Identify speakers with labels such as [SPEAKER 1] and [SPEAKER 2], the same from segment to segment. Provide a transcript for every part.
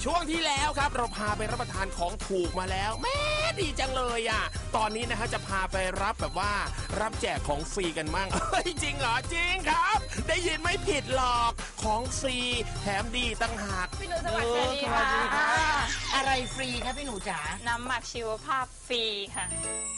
[SPEAKER 1] ช่วงที่แล้วครับเราพาไปรับประทานของถูกมาแล้วแม่ดีจังเลยอ่ะตอนนี้นะฮะจะพาไปรับแบบว่ารับแจกของฟรีกันมั่งจริงเหรอจริงครับได้ยินไม่ผิดหรอกของฟรีแถมดีตั้งหาก
[SPEAKER 2] พี่หนูสวัสดีค่ะ
[SPEAKER 3] อะไรฟรีคะพี่หนูจ๋า
[SPEAKER 2] น้ำหมักชีวภาพฟรีค่ะ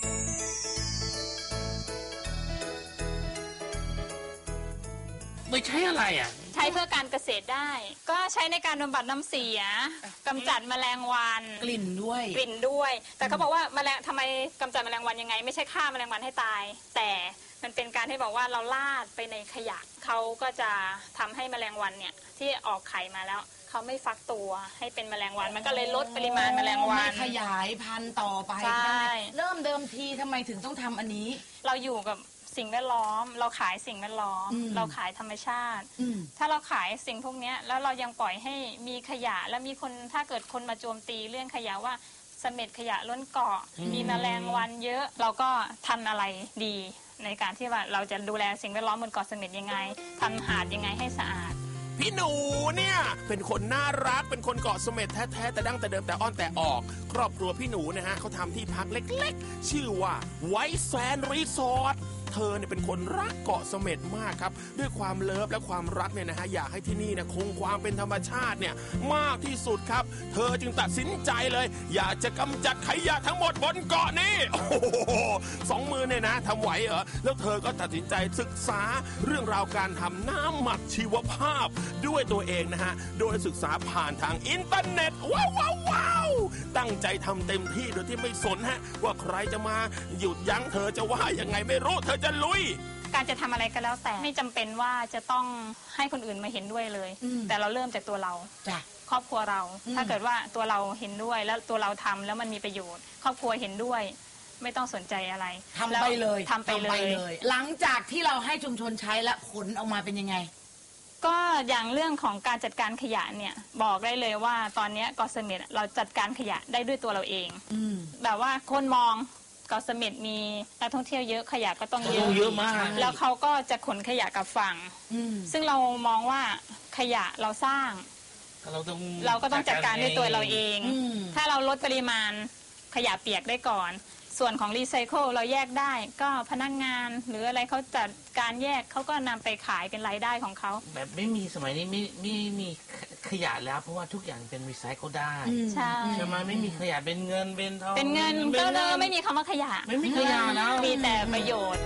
[SPEAKER 4] ไม่ใช่อะไรอ่ะ
[SPEAKER 2] ใช้เพื่อการเกษตรได้ก็ใช้ในการบำบัดน้ำเสียกำจัดแมลงวัน
[SPEAKER 3] กลิ่นด้วย
[SPEAKER 2] แต่เขาบอกว่าแมลงทำไมกำจัดแมลงวันยังไงไม่ใช่ฆ่าแมลงวันให้ตายแต่มันเป็นการที่บอกว่าเราลาดไปในขยะเขาก็จะทำให้แมลงวันเนี่ยที่ออกไข่มาแล้วเขาไม่ฟักตัวให้เป็นแมลงวันมันก็เลยลดปริมาณแมลงวัน
[SPEAKER 3] ไม่ขยายพันธุ์ต่อไป
[SPEAKER 2] ใช่
[SPEAKER 3] เริ่มเดิมทีทำไมถึงต้องทำอันนี้
[SPEAKER 2] เราอยู่กับสิ่งแวดล้อมเราขายสิ่งแวดล้อมเราขายธรรมชาติถ้าเราขายสิ่งพวกนี้แล้วเรายังปล่อยให้มีขยะแล้วมีคนถ้าเกิดคนมาโจมตีเรื่องขยะว่าเสม็ดขยะล้นเกาะมีแมลงวันเยอะเราก็ทำอะไรดีในการที่ว่าเราจะดูแลสิ่งแวดล้อมบนเกาะเสม็ดยังไงทำหาดยังไงให้สะอาด
[SPEAKER 1] พี่หนูเนี่ยเป็นคนน่ารักเป็นคนเกาะเสม็ดแท้ๆแต่ดั้งแต่เดิมแต่อ้อนแต่ออกครอบครัวพี่หนูนะฮะเขาทำที่พักเล็กๆชื่อว่าไวท์แซนด์รีสอร์ทเธอเนี่ยเป็นคนรักเกาะเสม็ดมากครับด้วยความเลิฟและความรักเนี่ยนะฮะอยากให้ที่นี่นะคงความเป็นธรรมชาติเนี่ยมากที่สุดครับเธอจึงตัดสินใจเลยอยากจะกำจัดขยะทั้งหมดบนเกาะนี้โอ้โห2 มือเนี่ยนะทำไหวเหรอแล้วเธอก็ตัดสินใจศึกษาเรื่องราวการทำน้ำหมักชีวภาพด้วยตัวเองนะฮะโดยศึกษาผ่านทางอินเทอร์เน็ตว้าวตั้งใจทำเต็มที่โดยที่ไม่สนฮะว่าใครจะมาหยุดยั้งเธอจะว่ายังไงไม่รู้เธอจะลุย
[SPEAKER 2] การจะทำอะไรก็แล้วแต่ไม่จำเป็นว่าจะต้องให้คนอื่นมาเห็นด้วยเลยแต่เราเริ่มจากตัวเราครอบครัวเราถ้าเกิดว่าตัวเราเห็นด้วยแล้วตัวเราทำแล้วมันมีประโยชน์ครอบครัวเห็นด้วยไม่ต้องสนใจอะไร
[SPEAKER 3] ทำไปเลยหลังจากที่เราให้ชุมชนใช้แล้วผลออกมาเป็นยังไง
[SPEAKER 2] ก็อย่างเรื่องของการจัดการขยะเนี่ยบอกได้เลยว่าตอนนี้เกาะเสม็ดเราจัดการขยะได้ด้วยตัวเราเองแบบว่าคนมองเกาะเสม็ดมีนักท่องเที่ยวเยอะขยะก็ต้องเยอะ
[SPEAKER 4] มาก
[SPEAKER 2] แล้วเขาก็จะขนขยะกลับฝั่งซึ่งเรามองว่าขยะเราสร้างเราก็ต้องจัดการด้วยตัวเราเองถ้าเราลดปริมาณขยะเปียกได้ก่อนส่วนของรีไซเคิลเราแยกได้ก็พนักงานหรืออะไรเขาจัดการแยกเขาก็นำไปขายเป็นรายได้ของเขา
[SPEAKER 4] แบบไม่มีสมัยนี้ไม่มีขยะแล้วเพราะว่าทุกอย่างเป็นรีไซเคิลได้ใช่ไหมไม่มีขยะเป็นเงินเป็นทอง
[SPEAKER 2] เป็นเงินก็เลยไม่มีคำว่าขยะ
[SPEAKER 4] ไม่มีขยะแล้ว
[SPEAKER 2] มีแต่ประโยชน์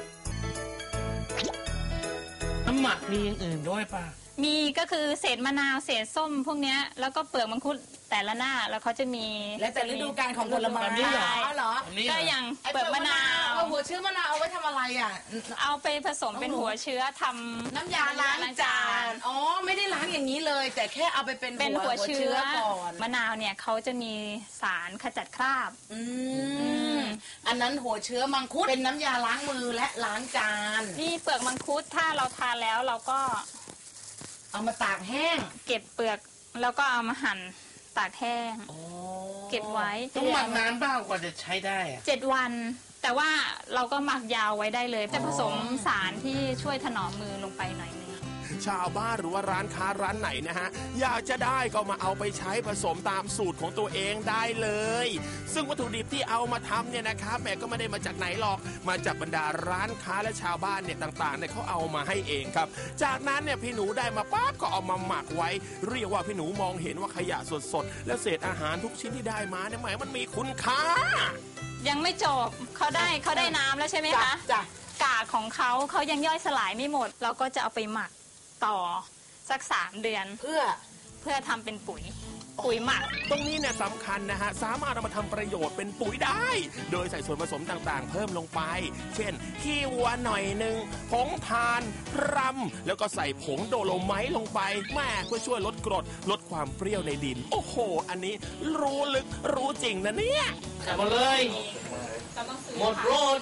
[SPEAKER 4] น้ำหมักมีอย่างอื่นด้วยป่ะ
[SPEAKER 2] มีก็คือเศษมะนาวเศษส้มพวกนี้แล้วก็เปลือกมังคุดแต่ละหน้าแล้วเขาจะมี
[SPEAKER 3] และแต่ฤดูกาลของผลไม้เหรอ
[SPEAKER 2] ก็อย่างเปลือกมะนาว
[SPEAKER 3] หัวเชื้อมะนาวเอาไว้ทำอะไรอ่ะ
[SPEAKER 2] เอาไปผสมเป็นหัวเชื้อทำ
[SPEAKER 3] น้ำยาล้างจานอ๋อไม่ได้ล้างอย่างนี้เลยแต่แค่เอาไปเป็นหัวเชื้อก่อน
[SPEAKER 2] มะนาวเนี่ยเขาจะมีสารขจัดคราบ
[SPEAKER 3] อันนั้นหัวเชื้อมังคุดเป็นน้ำยาล้างมือและล้างจาน
[SPEAKER 2] นี่เปลือกมังคุดถ้าเราทานแล้วเราก็
[SPEAKER 3] เอามาตากแห้ง
[SPEAKER 2] เก็บเปลือกแล้วก็เอามาหั่นตากแห้งเก็บไว้
[SPEAKER 4] ต้องหมักนานบ้างกว่าจะใช้ได้
[SPEAKER 2] 7 วันแต่ว่าเราก็หมักยาวไว้ได้เลยจะผสมสารที่ช่วยถนอมมือลงไปหน่อยนึง
[SPEAKER 1] ชาวบ้านหรือว่าร้านค้าร้านไหนนะฮะอยากจะได้ก็มาเอาไปใช้ผสมตามสูตรของตัวเองได้เลยซึ่งวัตถุดิบที่เอามาทำเนี่ยนะครับแม่ก็ไม่ได้มาจากไหนหรอกมาจากบรรดาร้านค้าและชาวบ้านเนี่ยต่างๆเนี่ยเขาเอามาให้เองครับจากนั้นเนี่ยพี่หนูได้มาปั๊บก็เอามาหมักไว้เรียกว่าพี่หนูมองเห็นว่าขยะสดๆและเศษอาหารทุกชิ้นที่ได้มาเนี่ยหมายมันมีคุณค่า
[SPEAKER 2] ยังไม่จบเขาได้น้ำแล้วใช่ไหมคะกากของเขายังย่อยสลายไม่หมดเราก็จะเอาไปหมักต่อสัก3 เดือน
[SPEAKER 3] เพื่อ
[SPEAKER 2] ทำเป็นปุ๋ยหมัก
[SPEAKER 1] ตรงนี้เนี่ยสำคัญนะฮะสามารถเอามาทำประโยชน์เป็นปุ๋ยได้โดยใส่ส่วนผสมต่างๆเพิ่มลงไปเช่นขี้วัวหน่อยนึงผงทานรำแล้วก็ใส่ผงโดโลไมต์ลงไปแม่เพื่อช่วยลดกรดลดความเปรี้ยวในดินโอ้โหอันนี้รู้ลึกรู้จริงนะเนี่ย
[SPEAKER 4] กลับมาเลยหมดโรด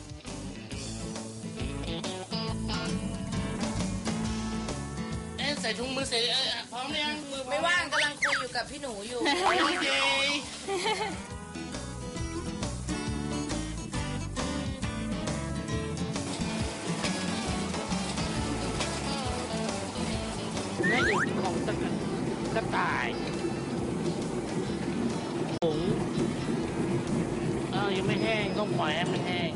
[SPEAKER 4] ใส่ถุงมือเสร็จพร้อมยังมือ
[SPEAKER 3] ไม่ว่างกำลังคุยอยู่กับพี่หนูอยู่โอเค
[SPEAKER 4] แม่อื่นของกระต่ายต้องปล่อยให้มันแห้ง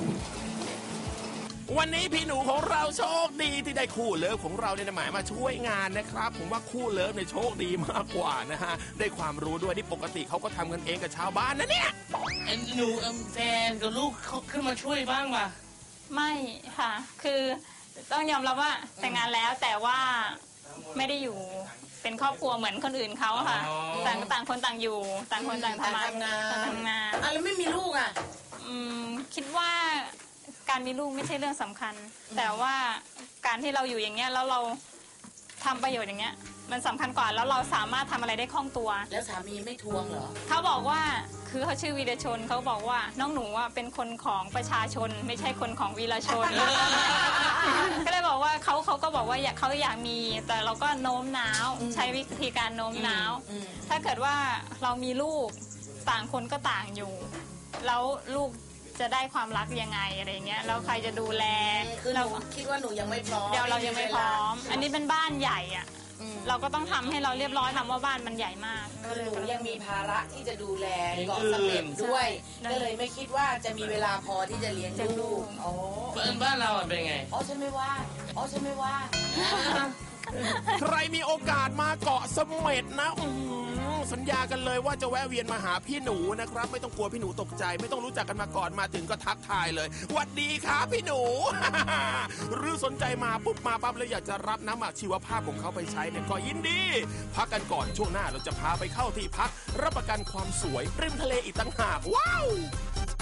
[SPEAKER 1] วันนี้พี่หนูของเราโชคดีที่ได้คู่เลิฟของเราเนี่ยหมายมาช่วยงานนะครับผมว่าคู่เลิฟเนี่ยโชคดีมากกว่านะฮะได้ความรู้ด้วยที่ปกติเขาก็ทำกันเองกับชาวบ้านนะเนี่ย
[SPEAKER 4] หนูแฟนกับลูกเขาขึ้นมาช่วยบ้างป่ะ
[SPEAKER 2] ไม่ค่ะ คือต้องยอมรับว่าแต่งงานแล้วแต่ว่าไม่ได้อยู่เป็นครอบครัวเหมือนคนอื่นเขาค่ะ
[SPEAKER 4] อ๋อ
[SPEAKER 2] ต่างคนต่างอยู่ ต่างคนต่างทำงาน
[SPEAKER 3] ทำงานอ่ะแล้วไม่มีลูกอ่ะ
[SPEAKER 2] คิดว่าการมีลูกไม่ใช่เรื่องสำคัญ แต่ว่าการที่เราอยู่อย่างเงี้ยแล้วเราทำประโยชน์อย่างเงี้ยมันสำคัญกว่าแล้วเราสามารถทำอะไรได้คล่องตัว
[SPEAKER 3] แล้วสามีไม่ทวงเหรอ
[SPEAKER 2] เขาบอกว่าคือเขาชื่อวีรชนเขาบอกว่าน้องหนูอ่ะเป็นคนของประชาชน ไม่ใช่คนของวีรชน ก็เลยบอกว่าเขาก็บอกว่าเขาอยากมีแต่เราก็โน้มน้าวใช้วิธีการโน้มน้าวถ้าเกิดว่าเรามีลูกต่างคนก็ต่างอยู่ แล้วลูกจะได้ความรักยังไงอะไรเงี้ยแล้วใครจะดูแล
[SPEAKER 3] คือเราคิดว่าหนูยังไม่พร้อม
[SPEAKER 2] เดี๋ยวเรายังไม่พร้อม อันนี้เป็นบ้านใหญ่อ่ะเราก็ต้องทำให้เราเรียบร้อยทำว่าบ้านมันใหญ่มาก
[SPEAKER 3] คือหนูยังมีภาระที่จะดูแลเกาะเสม็ดด้วย ก็เลยไม่คิดว่าจะมีเวลาพอที่จะเลี้ยงลูกอ๋อ
[SPEAKER 4] บ้านเราเป็นไง
[SPEAKER 3] อ๋อฉันไม่ว่าอ๋อฉันไม่ว่า
[SPEAKER 1] ใครมีโอกาสมาเกาะเสม็ดนะสัญญากันเลยว่าจะแวะเวียนมาหาพี่หนูนะครับไม่ต้องกลัวพี่หนูตกใจ ไม่ต้องรู้จักกันมาก่อนมาถึงก็ทักทายเลยหวัดดีครับพี่หนู หรือสนใจมาปุ๊บมาปั๊บเลยอยากจะรับน้ำหมักชีวภาพของเขาไปใช้เนี่ยก็ยินดี พักกันก่อนช่วงหน้าเราจะพาไปเข้าที่พักรับประกันความสวยริมทะเลอีกต่างหากว้าว